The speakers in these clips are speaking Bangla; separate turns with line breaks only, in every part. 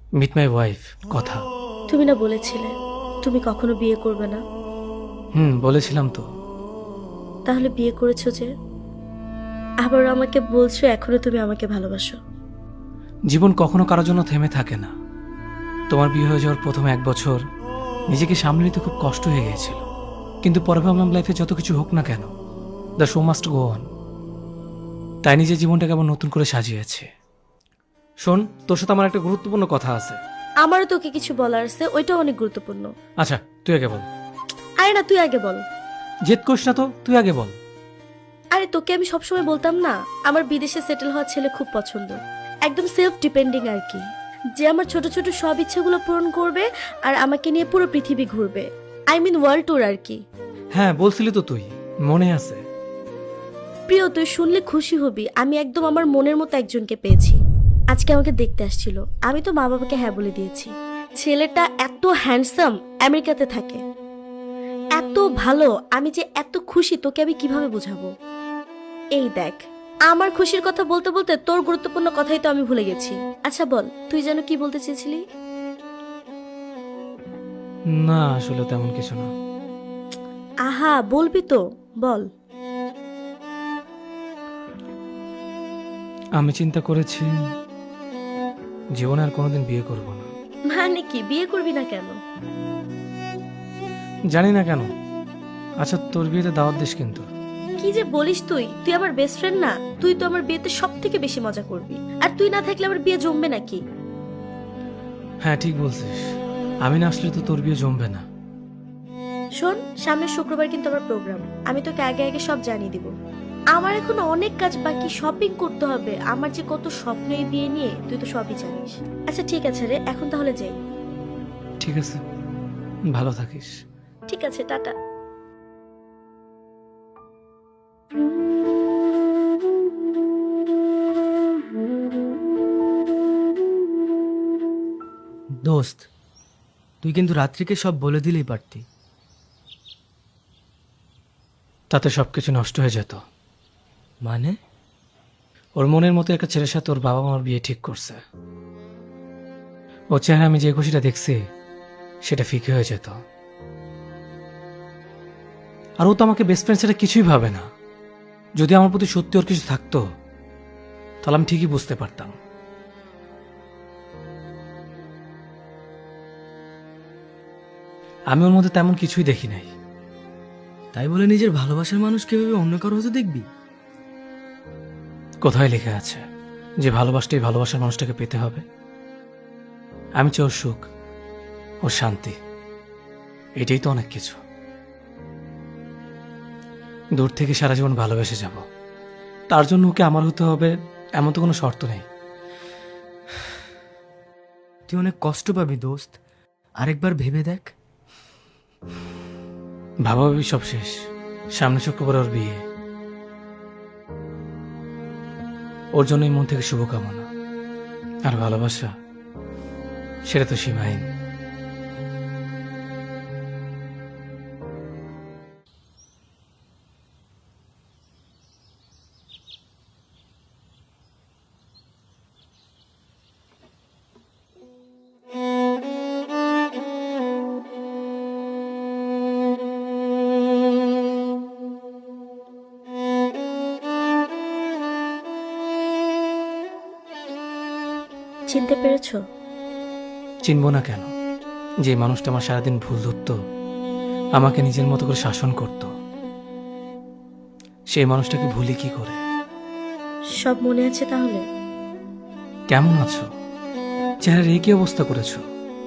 মিট মাই ওয়াইফ কথা।
তুমি না বলেছিলে তুমি কখনো বিয়ে করবে না?
বলেছিলাম তো।
তাহলে বিয়ে করেছো যে, আবার আমাকে বলছো এখনো তুমি আমাকে ভালোবাসো।
জীবন কখনো কারোর জন্য থেমে থাকে না। তোমার বিয়ে হয়ে যাওয়ার প্রথম 1 বছর নিজেকে সামলে নিতে খুব কষ্ট হয়ে গিয়েছিল, কিন্তু পরে ভাবলাম লাইফে যত কিছু হোক না কেন, the show must go on. তাই নিজের জীবনটাকে আবার নতুন করে সাজিয়েছে। শোন, তোর সাথে আমার একটা গুরুত্বপূর্ণ কথা আছে।
আমারও তোকে কিছু বলার আছে, ওইটা অনেক গুরুত্বপূর্ণ।
আচ্ছা, তুই আগে বল।
আরে না, তুই আগে বল।
জেদ করিস না তো, তুই আগে বল।
আরে তোকে আমি সবসময় বলতাম না, আমার বিদেশে সেটেল হওয়া ছেলে খুব পছন্দ, একদম সেলফ ডিপেন্ডিং আর কি, যে আমার ছোট ছোট সব ইচ্ছেগুলো পূরণ করবে আর আমাকে নিয়ে পুরো পৃথিবী ঘুরবে। আই মিন ওয়ার্ল্ড ট্যুর আর কি।
হ্যাঁ, বলছিলি তো তুই, মনে আছে।
প্রিয়, তুই শুনলে খুশি হবি, আমি একদম আমার মনের মতো একজনকে পেয়েছি। আজকে আমাকে দেখতে আসছিল, আমি তো মা বাবাকে হ্যাঁ বলে দিয়েছি। ছেলেটা এত হ্যান্ডসাম, আমেরিকাতে থাকে, এত ভালো, আমি যে এত খুশি তোকে আমি কিভাবে বোঝাবো। এই দেখ, আমার খুশির কথা বলতে বলতে তোর গুরুত্বপূর্ণ কথাই তো আমি ভুলে গেছি। আচ্ছা বল, তুই যেন কি বলতে চেয়েছিলি?
না, আসলে তেমন কিছু না।
আহা, বলবি তো, বল।
আমি চিন্তা করেছি জীবনে আর কোনোদিন বিয়ে করব না।
মানে কি, বিয়ে করবি না কেন?
জানি না কেন। আচ্ছা, তোর বিয়েতে দাওয়াত দিস কিন্তু।
কি যে বলিস তুই, তুই আমার বেস্ট ফ্রেন্ড না? তুই তো আমার বিয়েতে সব থেকে বেশি মজা করবি, আর তুই না থাকলে আমার বিয়ে জমবে নাকি?
হ্যাঁ, ঠিক বলছিস। আমি না আসলে তো তোর বিয়ে জমবে না।
শোন, সামনের শুক্রবার কিন্তু আমার প্রোগ্রাম, আমি তোকে আগে আগে সব জানিয়ে দিব। আমার এখন অনেক কাজ বাকি, শপিং করতে হবে, আমার যে কত স্বপ্ন এই বিয়ে নিয়ে, তুই তো সবই জানিস। আচ্ছা ঠিক আছে রে, এখন তাহলে যাই।
ঠিক আছে, ভালো থাকিস।
ঠিক আছে, টাটা।
দোস্ত, তুই কিন্তু রাত্রিকে সব বলে দিলেই পারতি।
তাতে সবকিছু নষ্ট হয়ে যেত।
মানে?
ওর মনের মতো একটা ছেলের সাথে ওর বাবা মার বিয়ে ঠিক করছে। ওর চেহারা আমি যে খুশিটা দেখছি সেটা ফিকে হয়ে যেত। আর ও তো আমাকে বেস্ট ফ্রেন্ড সেটা কিছুই ভাবে না। যদি আমার প্রতি সত্যি ওর কিছু থাকতো তাহলে আমি ঠিকই বুঝতে পারতাম। আমি ওর মধ্যে তেমন কিছুই দেখি নাই।
তাই বলে নিজের ভালোবাসার মানুষ কিভাবে অন্য কারো হতে দেখবি?
কোথায় লেখা আছে যে ভালোবাসতেই ভালোবাসার মানুষটাকে পেতে হবে? আমি চাই ওর সুখ, ওর শান্তি, এটাই তো অনেক কিছু। দূর থেকে সারা জীবন ভালোবেসে যাব, তার জন্য ওকে আমার হতে হবে এমন তো কোনো শর্ত নেই।
তুই অনেক কষ্ট পাবি দোস্ত, আরেকবার ভেবে দেখ।
ভাবাভাবি সব শেষ, সামনে শুক্রবার ওর বিয়ে। ওর জন্যই মন থেকে শুভকামনা। আর ভালোবাসা, সেটা তো সীমাহীন।
চিনতে পেরেছো?
চিনব না কেন? যে মানুষটা আমার সারাদিন ভুল ধরত, আমাকে নিজের মতো করে শাসন করত, সেই মানুষটাকে ভুলি কি করে?
সব মনে আছে তাহলে?
কেমন আছো? চেহারার এই কি অবস্থা করেছো?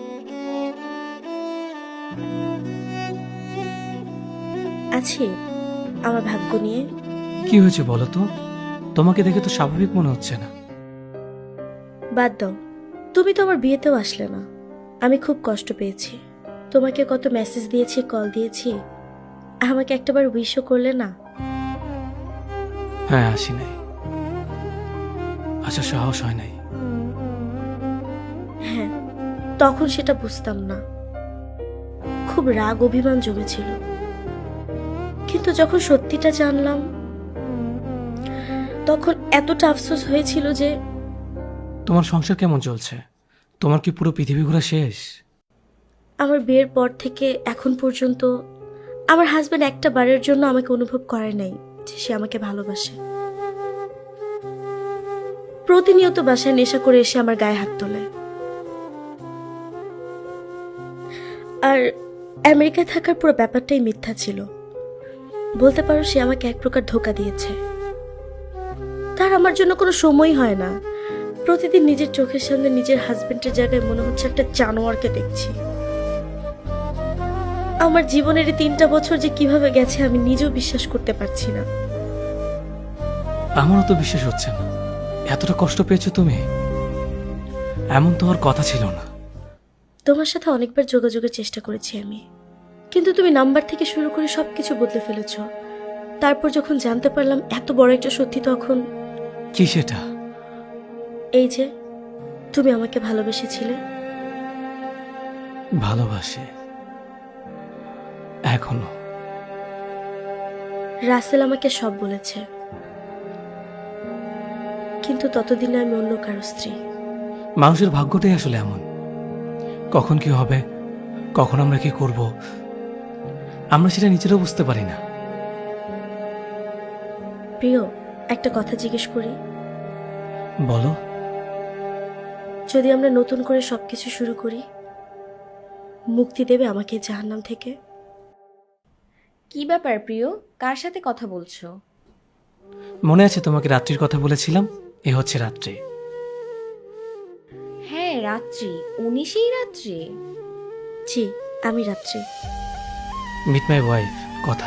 আছি, আমার ভাগ্য নিয়ে।
কি হয়েছে বলো তো? তোমাকে দেখে তো স্বাভাবিক মনে হচ্ছে না।
বাদ দাও, তুমি তো আমার বিয়েতেও আসলে না। আমি খুব কষ্ট পেয়েছি, তোমাকে কত মেসেজ দিয়েছি, কল দিয়েছি, আমাকে একটাবার উইশও করলে না।
হ্যাঁ, আসি নাই, আচ্ছা সাহস হয় নাই।
হ্যাঁ, তখন সেটা বুঝতাম না, খুব রাগ অভিমান জমেছিল, কিন্তু যখন সত্যিটা জানলাম তখন এতটা আফসোস হয়েছিল যে।
তোমার সংসার কেমন চলছে? তোমার কি পুরো পৃথিবী ঘোরা শেষ?
আমার বিয়ের পর থেকে এখন পর্যন্ত আমার হাজবেন্ড একটা বারের জন্য আমাকে অনুভব করে নাই যে সে আমাকে ভালোবাসে। প্রতিনিয়ত বাসায় নেশা করে এসে আমার গায়ে হাত তোলে। আর আমেরিকায় থাকার পুরো ব্যাপারটাই মিথ্যা ছিল। বলতে পারো সে আমাকে এক প্রকার ধোঁকা দিয়েছে। তার আমার জন্য কোনো সময় হয় না। প্রতিদিন নিজের চোখের সামনে নিজের হাজবেন্ডের জায়গায় মনে হচ্ছে একটা জানোয়ারকে দেখছি। আমার জীবনের এই 3টা বছর যে কিভাবে গেছে আমি নিজেও বিশ্বাস করতে পারছি না।
আমারও তো বিশ্বাস হচ্ছে না। এতটা কষ্ট পেয়েছো তুমি? এমন তো আর কথা ছিল না।
তোমার সাথে অনেকবার যোগাযোগের চেষ্টা করেছি আমি, কিন্তু তুমি নাম্বার থেকে শুরু করে সবকিছু বদলে ফেলেছ। তারপর যখন জানতে পারলাম এত বড় একটা সত্যি, তখন
কি সেটা?
এই যে তুমি আমাকে ভালোবেসেছিলে।
ভালোবাসে এখনো।
রাসেল আমাকে সব বলেছে, কিন্তু ততদিনে আমি অন্য কারো স্ত্রী।
মানুষের ভাগ্যটাই আসলে এমন। কখন কি হবে, কখন আমরা কি করব, আমরা সেটা নিজেরাও বুঝতে পারি না।
প্রিয়, একটা কথা জিজ্ঞেস করি।
বলো।
যদি আমরা নতুন করে সবকিছু শুরু করি, মুক্তি দেবে আমাকে জাহান্নাম থেকে?
কি ব্যাপার প্রিয়, কার সাথে কথা বলছো?
মনে আছে তোমাকে রাত্রির কথা বলেছিলাম? এ হচ্ছে রাত্রি।
হ্যাঁ, রাত্রি। 19ই রাত্রি?
জি, আমি রাত্রি।
মিট মাই ওয়াইফ কথা।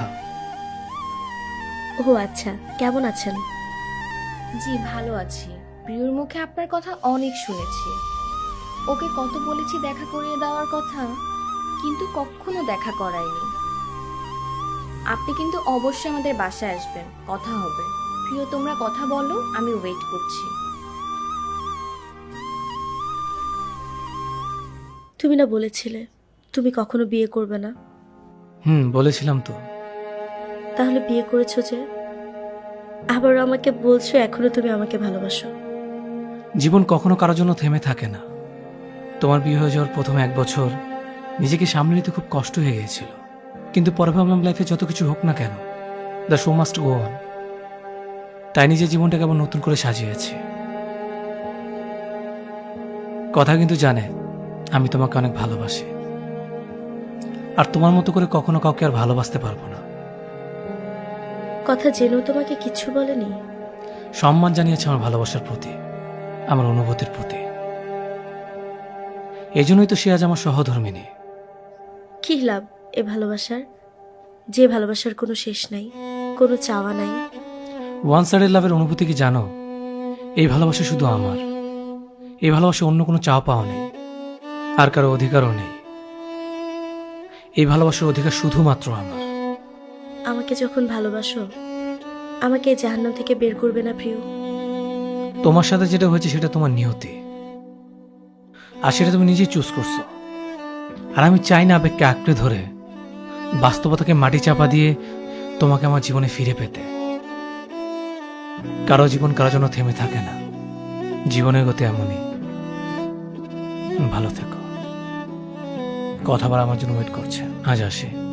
ও আচ্ছা, কেমন আছেন?
জি, ভালো আছি। প্রিয়র মুখে আপনার কথা অনেক শুনেছি। ওকে কত বলেছি দেখা করিয়ে দেওয়ার কথা, কিন্তু কখনো দেখা করায়নি। আপনি কিন্তু অবশ্যই আমাদের বাসায় আসবেন, কথা হবে। প্রিয়, তোমরা কথা বলো, আমি ওয়েট করছি।
তুমি না বলেছিলে তুমি কখনো বিয়ে করবে না?
বলেছিলাম তো।
তাহলে বিয়ে করেছো যে? আবারও আমাকে বলছো এখনো তুমি আমাকে ভালোবাসো।
জীবন কখনো কারোর জন্য থেমে থাকে না। তোমার বিয়ে হয়ে যাওয়ার প্রথম 1 বছর নিজেকে সামলে নিতে খুব কষ্ট হয়ে গিয়েছিল, কিন্তু পরে ভাবলাম লাইফে যত কিছু হোক না কেন, the show must go on. তাই নিজের জীবনটাকে আবার নতুন করে সাজিয়েছি। কথা কিন্তু জানে আমি তোমাকে অনেক ভালোবাসি, আর তোমার মতো করে কখনো কাউকে আর ভালোবাসতে পারবো না।
কথা জেনেও তোমাকে কিচ্ছু বলেনি?
সম্মান জানিয়েছে আমার ভালোবাসার প্রতি, আমার অনুভূতির প্রতি। এই জন্যই তো সে আজ আমার সহধর্মিনী।
কি লাভ এ ভালোবাসার, যে ভালোবাসার কোনো শেষ নাই, কোনো চাওয়া নাই?
ওয়ান সাইডের লাভের অনুভূতি কি জানো? এই ভালোবাসা শুধু আমার। এই ভালোবাসা অন্য কোনো চাওয়া পাওয়া নেই, আর কারো অধিকারও নেই। এই ভালোবাসার অধিকার শুধুমাত্র আমার।
আমাকে যখন ভালোবাসো, আমাকে এই জাহান্নাম থেকে বের করবে না প্রিয়?
তোমার সাথে যেটা হয়েছে সেটা তোমার নিয়তি, আর সেটা তুমি নিজেই চুজ করছো। আর আমি চাই না আবেগকে আঁকড়ে ধরে বাস্তবতাকে মাটি চাপা দিয়ে তোমাকে আমার জীবনে ফিরে পেতে। কারো জীবন কারোর জন্য থেমে থাকে না। জীবনের গতি এমনই। ভালো থেকো। কথা বলা আমার জন্য ওয়েট করছে। আজ আসি।